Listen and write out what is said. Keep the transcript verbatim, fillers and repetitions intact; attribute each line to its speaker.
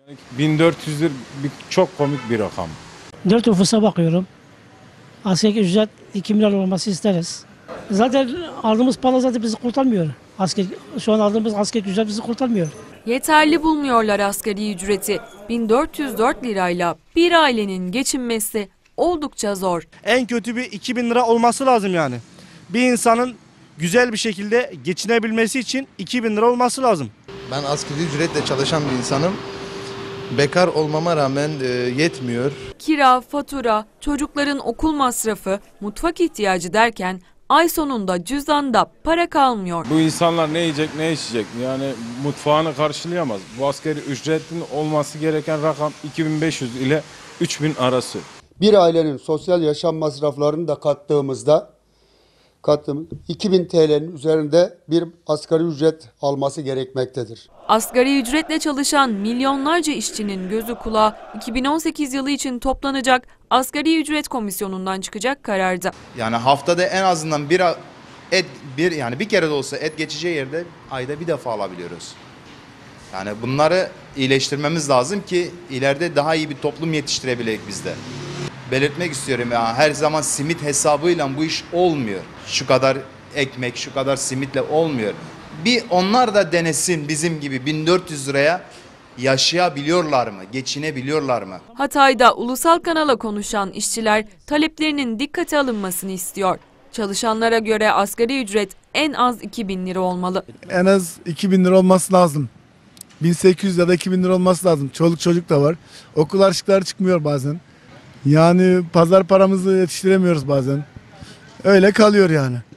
Speaker 1: bin dört yüz lira bir, çok komik bir rakam.
Speaker 2: Dört nüfusa bakıyorum. Asgari ücret iki milyar olması isteriz. Zaten aldığımız para zaten bizi kurtarmıyor. Asker, şu an aldığımız asgari ücret bizi kurtarmıyor.
Speaker 3: Yeterli bulmuyorlar asgari ücreti. bin dört yüz dört lirayla bir ailenin geçinmesi oldukça zor.
Speaker 4: En kötü bir iki bin lira olması lazım yani. Bir insanın güzel bir şekilde geçinebilmesi için iki bin lira olması lazım.
Speaker 5: Ben asgari ücretle çalışan bir insanım. Bekar olmama rağmen e, yetmiyor.
Speaker 3: Kira, fatura, çocukların okul masrafı, mutfak ihtiyacı derken ay sonunda cüzdanda para kalmıyor.
Speaker 1: Bu insanlar ne yiyecek ne içecek, yani mutfağını karşılayamaz. Bu asgari ücretin olması gereken rakam iki bin beş yüz ile üç bin arası.
Speaker 6: Bir ailenin sosyal yaşam masraflarını da kattığımızda kattığımız iki bin T L'nin üzerinde bir asgari ücret alması gerekmektedir.
Speaker 3: Asgari ücretle çalışan milyonlarca işçinin gözü kulağı iki bin on sekiz yılı için toplanacak asgari ücret komisyonundan çıkacak kararda.
Speaker 7: Yani haftada en azından bir et bir yani bir kere de olsa et geçeceği yerde ayda bir defa alabiliyoruz. Yani bunları iyileştirmemiz lazım ki ileride daha iyi bir toplum yetiştirebilelim biz de. Belirtmek istiyorum ya, her zaman simit hesabıyla bu iş olmuyor. Şu kadar ekmek, şu kadar simitle olmuyor. Bir onlar da denesin bizim gibi bin dört yüz liraya yaşayabiliyorlar mı, geçinebiliyorlar mı?
Speaker 3: Hatay'da ulusal kanala konuşan işçiler taleplerinin dikkate alınmasını istiyor. Çalışanlara göre asgari ücret en az iki bin lira olmalı.
Speaker 8: En az iki bin lira olması lazım. bin sekiz yüz ya da iki bin lira olması lazım. Çoluk çocuk da var. Okul harçlıkları çıkmıyor bazen. Yani pazar paramızı yetiştiremiyoruz bazen. Öyle kalıyor yani.